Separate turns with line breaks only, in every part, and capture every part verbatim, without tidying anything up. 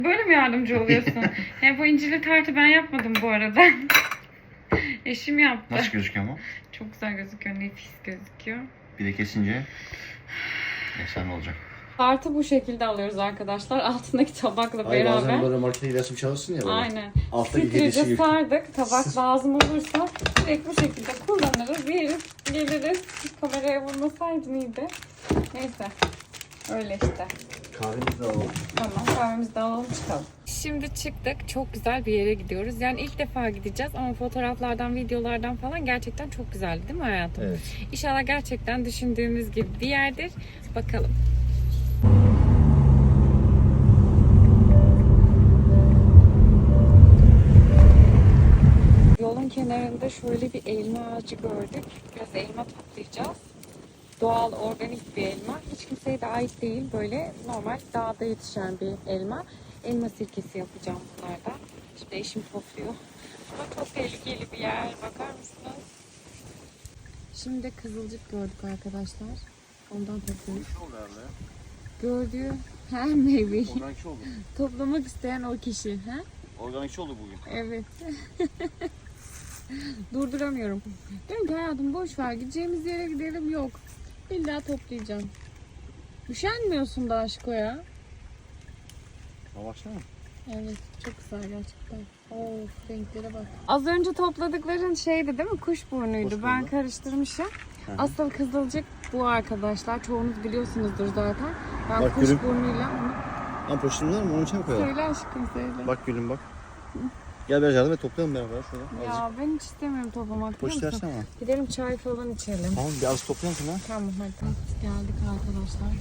Böyle mi yardımcı oluyorsun? Yani bu incirli tartı ben yapmadım bu arada. Eşim yaptı.
Nasıl gözüküyor mu?
Çok güzel gözüküyor, nefis gözüküyor.
Bir de kesince efsane olacak.
Tartı bu şekilde alıyoruz arkadaşlar. Altındaki tabakla
Hayır,
beraber.
bazen böyle markete gidersin çalışsın ya böyle.
Aynen.
Alttaki
Filtrece
hediyesi gibi.
sardık. Tabak lazım olursa direkt bu şekilde kullanırız. Yeriz, geliriz. Kameraya vurmasaydın iyiydi. Neyse. Öyle işte.
Kahvemizi de alalım.
Tamam, kahvemizi de alalım çıkalım. Şimdi çıktık. Çok güzel bir yere gidiyoruz. Yani ilk defa gideceğiz ama fotoğraflardan, videolardan falan gerçekten çok güzeldi değil mi hayatım?
Evet.
İnşallah gerçekten düşündüğümüz gibi bir yerdir. Bakalım. Yolun kenarında şöyle bir elma ağacı gördük. Biraz elma toplayacağız. Doğal, organik bir elma. Hiç kimseye de ait değil. Böyle normal dağda yetişen bir elma. Elma sirkesi yapacağım bunlardan. Şimdi eşim topluyor. Ama çok tehlikeli bir yer. Bakar mısınız? Şimdi de kızılcık gördük arkadaşlar. Ondan topluyoruz. Gördüğü her meyveyi
Organikçi oldu.
toplamak isteyen o kişi. Ha?
Organikçi oldu bugün.
Evet. Durduramıyorum. Diyorum ki hayatım boş ver, gideceğimiz yere gidelim, yok. İlla toplayacağım. Üşenmiyorsun da aşko ya.
Ha baksana.
Evet, çok güzel gerçekten. Of, renklere bak. Az önce topladıkların şeydi değil mi? Kuşburnuydu.
Kuşburnu.
Ben karıştırmışım.
Hı hı.
Asıl kızılcık bu arkadaşlar. Çoğunuz biliyorsunuzdur zaten. Ben
Bak gülüm.
kuşburnuyla onu...
Lan poşetin var mı? Onun içine koyalım.
Söyle aşkım söyle.
Bak gülüm bak. Gel biraz yardım et, toplayalım beraber şöyle. Azıcık.
Ya ben hiç istemiyorum toplamak.
Poşet
biliyor musun?
versene bana.
Gidelim çay falan içelim.
Tamam bir az toplayalım sana.
Tamam hadi. Geldik arkadaşlar.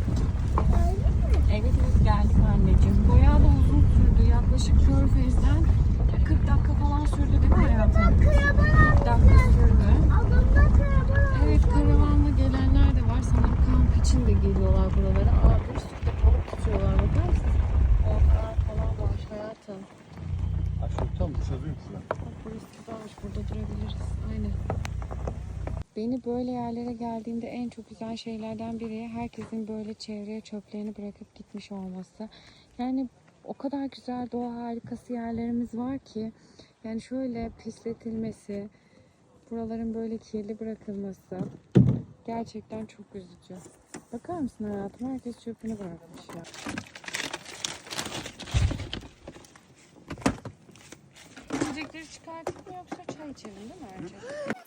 Evet biz geldik anneciğim. Bayağı da uzun sürdü. Yaklaşık Körfez'den kırk dakika falan sürdü değil mi hayatım? kırk dakika sürdü. Evet, karavanla gelenler de var. Sanırım kamp için de geliyorlar buralara. Aa, bir sürü de balık tutuyorlar. Bakar mısın? Ortalar falan var hayatım.
Aşağı tam dışarıdayım şurada.
Bak burası güzelmiş. Burada durabiliriz. Aynen. Beni böyle yerlere geldiğimde en çok güzel şeylerden biri herkesin böyle çevreye çöplerini bırakıp gitmiş olması. Yani o kadar güzel doğa harikası yerlerimiz var ki yani şöyle pisletilmesi, buraların böyle kirli bırakılması gerçekten çok üzücü. Bakar mısın hayatım? Herkes çöpünü bırakmış ya. İçecekleri çıkartıp mı yoksa çay içelim değil mi önce?